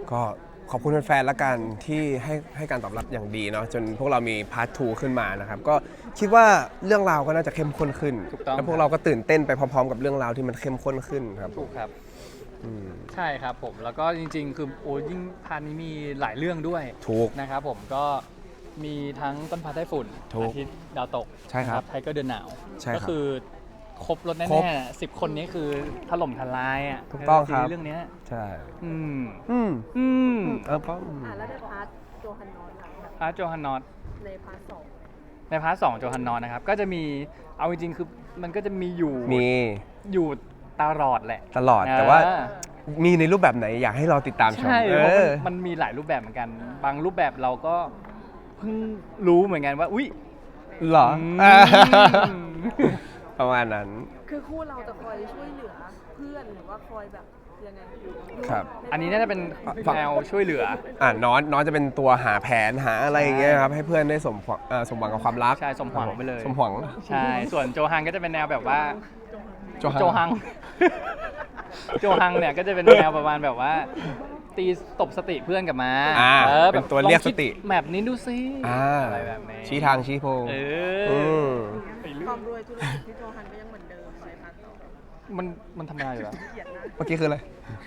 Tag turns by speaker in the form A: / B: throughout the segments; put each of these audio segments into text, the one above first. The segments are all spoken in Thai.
A: ก็ขอบคุณแฟนๆละกันที่ให้การตอบรับอย่างดีเนาะจนพวกเรามีพาร์ท 2 ขึ้นมานะครับก็คิดว่าเรื่องราวก็น่าจะเข้มข้นขึ้นแล้วพวกเราก็ตื่นเต้นไปพร้อมๆกับเรื่องราวที่มันเข้มข้นขึ้นครับ
B: ถูกครับใช่ครับผมแล้วก็จริงๆคือโอ้ยิ่งพาร์ทนี้มีหลายเรื่องด้วย
A: ถูก
B: นะครับผมก็มีทั้งต้นฟ้าใต้ฝุ่นอาทิตย์ดาวตก
A: ใช่ครับ
B: ไทเกอร์เดือนหนาวก็
A: ใช่ครับ
B: คือครบรถแน่ๆ10 คนนี้คือถล่มทลายอ่ะ
A: ถูกต้องครับ
B: เรื่องนี้
A: ใช่
B: แล้ว
C: ในพาร์ทโจฮันนอต
B: พาร์ทโจฮันนอต
C: ในพาร์ท 2
B: ในพาร์ท 2โจฮันนอตนะครับก็จะมีเอาจริงๆคือมันก็จะมีอยู่ตลอดแหละ
A: ตลอดแต่ว่ามีในรูปแบบไหนอยากให้เราติดตามชม
B: ใช่มันมีหลายรูปแบบเหมือนกันบางรูปแบบเราก็เพิ่งรู้เหมือนกันว่าอุ๊ย
A: หรอประมาณนั้น
C: คือคู่เราจะคอยช่วยเหลือเพื่อนหรือว่าคอยแบบยังไง
A: ครับ
B: อันนี้น่าจะเป็นแนวช่วยเหลือ
A: น้องจะเป็นตัวหาแผนหาอะไรอย่างเงี้ยครับให้เพื่อนได้สมหวังกับความรัก
B: ใช่สมหวังไปเลย
A: สมหวัง
B: ใช่ส่วนโจฮังก็จะเป็นแนวแบบว่าโจฮังเนี่ยก็จะเป็นแนวประมาณแบบว่าตีตบสติเพื่อนกลับมา
A: เป็นตัวเรียกสติ
B: แบบนี้ดูซิอะไรแบบนี้
A: ชี้ทางชี้โพง
C: ความรวยธุรกิจที่โจฮันก็ยังเหมือนเดิมในพาร์ท 2
B: มันทำงานอยู่แล้ว
A: เมื่อกี้คืออะไร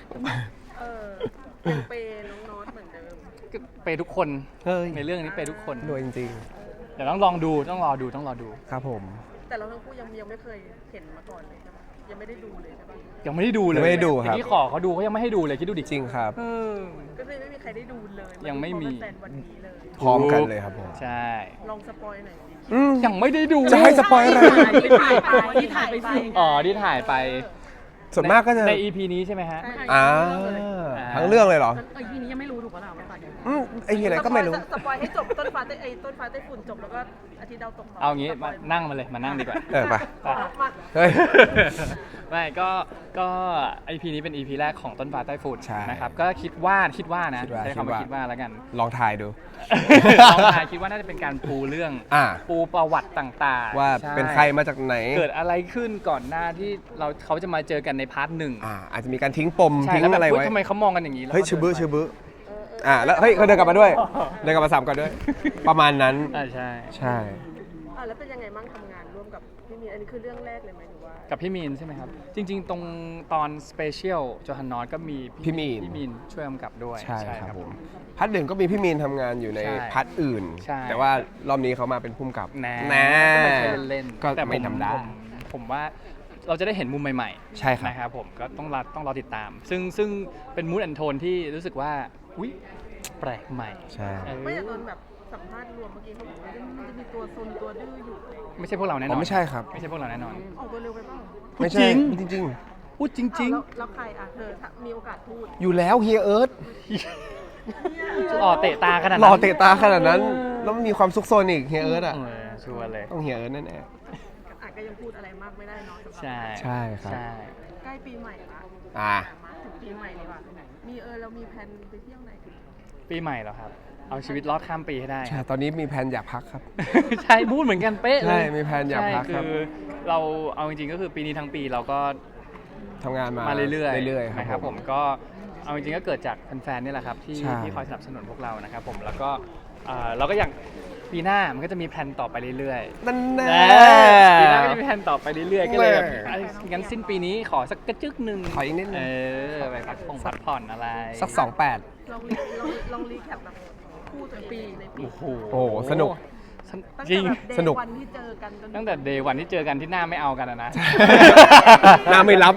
C: เปย์น้องน็อตเหมือนเดิม
B: เปย์ทุกคนในเรื่องนี้เปย์ทุกคน
A: รวยจริง
B: ๆเดี๋ยวต้องรอดู
A: ครับผม
C: แต่เราทั้งคู่ยังไม่เคยเห็นมาก่อนเลยใช่ปะยังไม่ได้ดูเลยใช่ปะ
B: ยังไม่ได้ดูเลยที่ขอเขาดูเขายังไม่ให้ดูเลยคิดดูดิ
A: จริงครับ
C: ก็เลยไม่มีใครได้ดูเลย
B: ยังไม่มี
C: วันนี้เลย
A: พร้อมกันเลยครับผม
B: ใช่
C: ลองสปอยหน่อยสิ
B: ยังไม่ได้ดู
A: จะให้สปอยอะไร
C: ที่ถ่ายไป
B: ที่ถ่ายไป
A: ส่วนมากก็จะ
B: ใน EP นี้ใช่ไหมฮะ
A: ทั้งเรื่องเลยเหรอ
C: EP นี้ยังไม่รู้ถูกป่ะเรา
A: ไอ้ที่ไหนก็ไม่รู้
C: สปอยให้จบต้นฟ้าใต้ฝุ่นจบแล้วก็อาทิตย์ดาวตก
B: เอางี้มานั่งมาเลยมานั่งดีกว่า
A: ไป
B: เฮ้ยไม่ก็ EP นี้เป็น EP แรกของต้นฟ้าใต้ฝุ่นนะครับก็คิดว่านะใช้คำว่าคิดว่าแล้วกัน
A: ลองถ่ายดู
B: ลองถ่ายคิดว่าน่าจะเป็นการปูเรื่องปูประวัติต่าง
A: ๆว่าเป็นใครมาจากไหน
B: เกิดอะไรขึ้นก่อนหน้าที่เขาจะมาเจอกันในพาร์ท 1
A: อาจจะมีการทิ้งปมทิ้งอะไรไว้
B: ทำไมเขามองกันอย่างนี้
A: เฮ้ยชื่อบื้อแล้วเฮ้ยเขาเดินกลับมาด้วยเดินกลับมาซ้ำกันด้วยประมาณนั้น
B: ใช่
C: แล้วเป็นยังไงบ้างทำงานร่วมกับพี่มีนอันนี้คือเรื่องแรกเลยไหมหรือว่า
B: กับพี่มีนใช่ไหมครับจริงๆตรงตอนสเปเชียลโจฮันนอตก็มี
A: พี่มีน
B: ช่วยกำกับด้วย
A: ใช่ครับผมพาร์ท 1ก็มีพี่มีนทำงานอยู่ในพาร์ทอื่นแต่ว่ารอบนี้เขามาเป็นผู้กำกับ
B: เล่น
A: ก็ไม่ธรรมดา
B: ผมว่าเราจะได้เห็นมุมใหม่
A: ๆใช่ครับ
B: นะครับผมก็ต้องรอติดตามซึ่งเป็นมูดแอนโทนที่รู้สึกว่าอุ๊ยแปลกใหม่
A: ใช่
C: ไม่แต่ตอนแบบสัมภาษณ์รวมเมื่อกี้เขาบอกว่ามันจะมีตัวซนตัวดื้ออยู่
B: ไม่ใช่พวกเราแน่นอน
A: ไม่ใช่ครับ
B: ไม่ใช่พวกเราแน่นอน
C: ออกตัวเร็วไปป่ะ
A: ไม่ใช่จริง
B: พูดจริง
C: แล้วใครเธอมีโอกาสพูด
A: อยู่แล้วเฮียเอิร์ธ
B: หล่อเตะตาขนาดนั้น
A: แล้วมีความซุกซนอีกเฮียเอิร์ธ
B: ชัวร์เลย
A: ต้องเฮียเอิร์ธแน่
C: ก็ยังพูดอะไรมากไม่ได้เนาะ
A: ใช่ครับ
C: ใกล้ปีใหม่ละมาถึงปีใหม่เลยว่ะเรามีแผนไปเที่ยวไหน
B: ปีใหม่เหรอครับเอาชีวิตรอดข้ามปีให้ได้
A: ใช่ตอนนี้มีแผนอยากพักครับ
B: ใช่พูดเหมือนกันเป๊ะเลย
A: ใช่มีแผนอยากพักครับ
B: คือเราเอาจริงๆก็คือปีนี้ทั้งปีเราก็
A: ทำงานมา
B: เรื่อย
A: ๆ
B: นะครับผมก็เอาจริงๆก็เกิดจากแฟนๆนี่แหละครับที่คอยสนับสนุนพวกเรานะครับผมแล้วก็เราก็อย่างปีหน้ามันก็จะมีแผนต่อไปเรื่อย
A: ๆนั่นแน่
B: ปีหน้าก็จะมีแผนต่อไปเรื่อยๆก็เลยแบบงั้นสิ้นปีนี้ขอสักกระจึกนึง
A: ขออีกนิดนึง
B: ไปพักผ่อนอะไร
A: สัก28
C: ลองรีแคปแบบคู่ตัวปีในปี
A: โอ้สนุก
B: จริง
A: สนุก
B: ตั้งแต่เดย์วันที่เจอกันที่หน้าไม่เอากันนะ
A: หน้าไม่รับ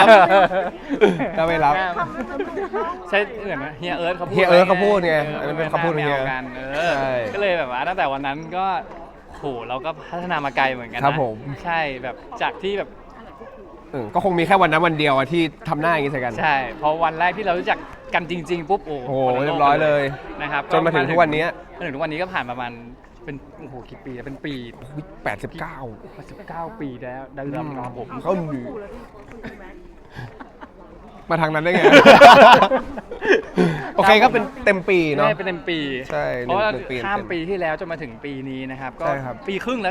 B: ใช่เหมือนเฮียเอิร์ธเขา
A: พูดไงอันนั้นเป็นคำพูดของเฮีย
B: กันก็เลยแบบว่าตั้งแต่วันนั้นก็โหเราก็พัฒนามาไกลเหมือนกัน
A: นะครับผม
B: ใช่แบบจากที่แบบ
A: ก็คงมีแค่วันนั้นวันเดียวที่ทำหน้าอย่างนี้ใส่กัน
B: ใช่พอวันแรกที่เรารู้จักกันจริงๆปุ๊บโอ้โห
A: เรียบร้อยเลย
B: นะครับ
A: จนมาถึงทุกวันนี้
B: ก็ผ่านประมาณเป็นกี่ปีแล้วเป็นปี89ปีแล้วได้รับน้องผม
A: เขาหนีมาทางนั้นได้ไงโอเคก็เป็นเต็มปีเนาะ
B: เป็นเต็มปี
A: ใช่
B: เพราะว่าข้ามปีที่แล้วจนมาถึงปีนี้นะครับก็ปีครึ่งแล้วแหละ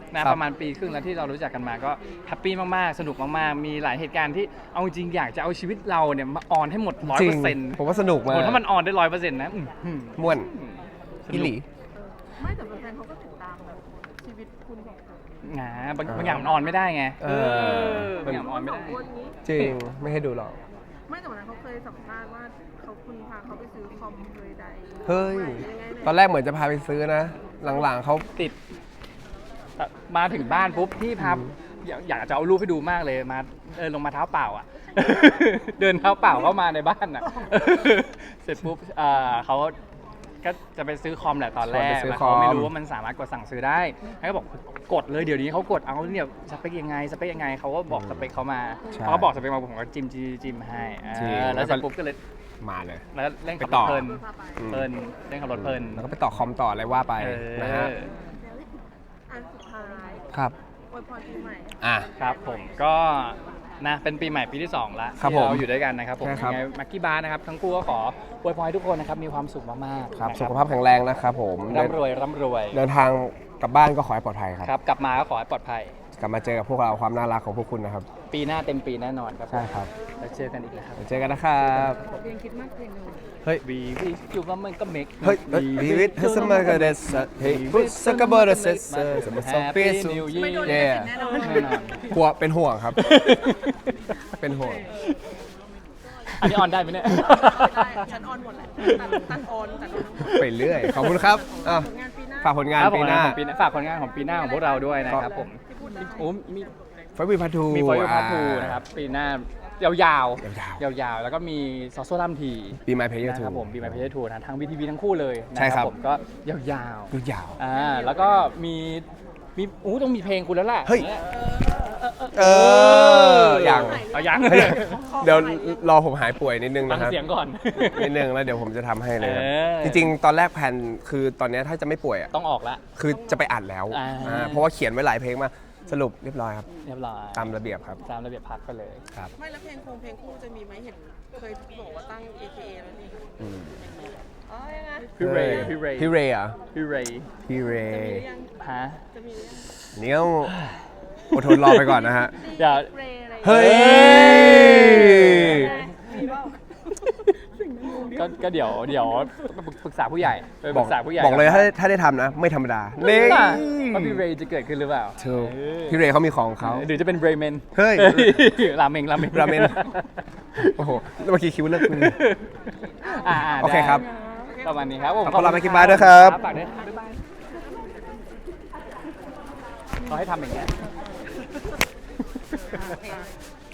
B: นะครับ ประมาณปีครึ่งแล้วที่เรารู้จักกันมาก็แฮปปี้มากๆสนุกมากๆมีหลายเหตุการณ์ที่เอาจริงอยากจะเอาชีวิตเราเนี่ยมาออนให้หมด
A: จริง
B: 100%
A: ผมว่าสนุกมาก
B: ถ้ามันออนได้ 100%นะ
A: ม่วน
B: ส
A: อิ
B: นุ
A: หลี
B: ก
C: ไม่แต่แฟนๆเขาก็ติดตามแบบชีวิตคุณสองคน
B: บางอย่างมันออนไม่ได้ไง
A: เออ
B: บางอย่างมันออนไม่ได้
C: สงคนนี้
A: จริงไม่ให้ดูหรอก
C: ไม่แต่วันนั้นเขาเคยสัมภาษณ์ว่าคุณพาเขาไปซื้อคอมเลยใด
A: เฮ้ย
C: ยังไงเนี่ย
A: ตอนแรกเหมือนจะพาไปซื้อนะ หลังๆเขา
B: ติดมาถึงบ้านปุ๊บพี่พาอยากจะเอารูปให้ดูมากเลยมาลงมาเท้าเปล่าอ่ะ เดินเท้าเปล่าเข้ามาในบ้านอ่ะ เสร็จปุ๊บเขาก็จะไปซื้อคอมแหละตอนแรกแล้วเขาไม่รู้ว่ามันสามารถกดสั่งซื้อได้เขาก็บอกกดเลยเดี๋ยวนี้เขากดเอาเนี่ยสเปคยังไงเขาก็บอกสเปคเขามาเขาก็บอกสเปคมาผมก็จิ้มให้แล้วเสร็จปุ๊บก็เลย
A: มาเลย
B: แล้วเล่นขับ
A: ไป
B: ร
A: ต่
B: ถ
A: อ
B: เพลิน
A: อืม
B: เล่นขับรถเพลิน
A: แล้วก็ไปต่อคอมต่ออะไรว่าไปนะฮะ
C: อันสุดท้าย
A: ครับ
C: อวยพรปีใหม่
A: อ่ะ
B: ครับผมก็นะเป็นปีใหม่ปีที่2แล้ว
A: ครับ
B: ที่เรา
A: ผม
B: อยู่ด้วยกันนะครับผม
A: ใช่ครับ
B: ยังไงมักกี้บาร์นะครับทั้งคู่ก็ขออวยพรให้ทุกคนนะครับมีความสุขมากๆ
A: ครับ
B: นะ
A: สุขภาพแข็งแรงนะครับผม
B: ร่ำรวย
A: เดินทางกลับบ้านก็ขอให้ปลอดภัยครับ
B: ครับกลับมาก็ขอให้ปลอดภัย
A: กลับมาเจอกับพวกเราความน่ารักของพวกคุณนะครับ
B: ปีหน้าเต็มปีแน่นอนครับ
A: ใช่ครับ
B: แล้วเจอกันอีกแล้วครับ
A: เดี๋ยวเจอกันนะครับ
C: เพลงคิดมากเพลงหนึ่ง
A: เฮ้ย
B: วีวิจูว่ามันก็เมก
A: เฮ้ยวีวิทเฮสมาเกเดสเฮ้ยพุสกบอร์เซสสมัสโซเปียสุ
C: ไม่โดน
A: เย่
C: ลิขสิทธิ์แน่นอน
B: แน่นอน
A: กลัวเป็นห่วงครับ เป็นห่วง
B: อันนี้ออนได้ไหมเนี่ย
C: ได้ฉันออนหมดแหละตัดออนทั้งหมด
A: ไปเรื่อย ขอบคุณครับอ่ะ
C: ผลงานปีหน้า
A: ฝากผลงาน
B: ครับ
A: ปีหน้า
B: ฝากผลงานของปีหน้าของพวกเราด้วยนะครับผม
C: ที่พูดได้
B: โอ้มี
A: ไฟวีพัทู
B: มีฟอยล์พาร์ททูนะครับปีหน้ายาวๆแล้วก็มีซอโซลัมที
A: ปีไมเพย์
B: นะ
A: ทู
B: ครับผมปีใหม่เพจทูนะทาง VTV ทั้งคู่เลยนะ
A: ใช่
B: ค
A: ครั
B: รับ ผมก็ยาว
A: ดูยาว
B: ๆแล้วก็มีต้องมีเพลงคุณแล้วแหละ
A: เฮ้ย
B: นี่
A: เอออย่าง
B: เอายัง
A: เฮ้ยเดี๋ยวรอผมหายป่วยนิดนึง
B: ฟัง
A: นะครับ
B: เสียงก่อน
A: นิดนึงแล้วเดี๋ยวผมจะทำให้เลยครับ
B: เออ
A: จริงๆ ตอนแรกแผนคือตอนเนี้ยถ้าจะไม่ป่วยอ่ะ
B: ต้องออกละ
A: คือจะไปอัดแล้ว เพราะว่าเขียนไว้หลายเพลงมากสรุปเรียบร้อยครับ
B: เรียบร้อย
A: ตามระเบียบครับ
B: ตามระเบียบพักไปเลย
A: ครับ
C: ไม่แล้วเพลงคู่จะมีไหมเห็นเคยบอกว่าตั้ง AKA แล้วนี่
A: อืม
C: อ๋อยังไง
B: พี่เรย์พี่เรย์
A: พี่เรย์เหรอ่ะ
B: พี่เรย์
A: พี่เร
C: มีห
A: ย์
C: รือยัง
B: ฮะ
C: จะมีหรือยัง
A: เนี่ยอดทนรอไปก่อนนะฮะ
B: เดี๋ยว
C: เรย์อะไร
A: เฮ้ย
C: มีเปล่า
B: ก็เดี๋ยวปรึกษาผู้ใหญ่ไปป
A: บอ
B: รึ
A: ก
B: กษาผู้ใหญ่
A: บอกเลยถ้าได้ทำนะ ไม่ธรรมดา
B: นี่
A: นี่
B: ว่าพี่เรย์จะเกิดขึ้นหรือเปล่า
A: ถูกพี่เรย์เขามีของเขา
B: หรือจะเป็นเรย์เมน
A: เฮ้ย
B: ราเมง
A: ราเมน โอ้โหเมื่อกี้คิวเลิกมือ โอเคครับ
B: ประมาณนี้ครับผม
A: ขอบคุณLucky Bar ด้วยครับ
B: ฝากด้วยบ๊ายบายเขาให้ทำอย่างเงี้ย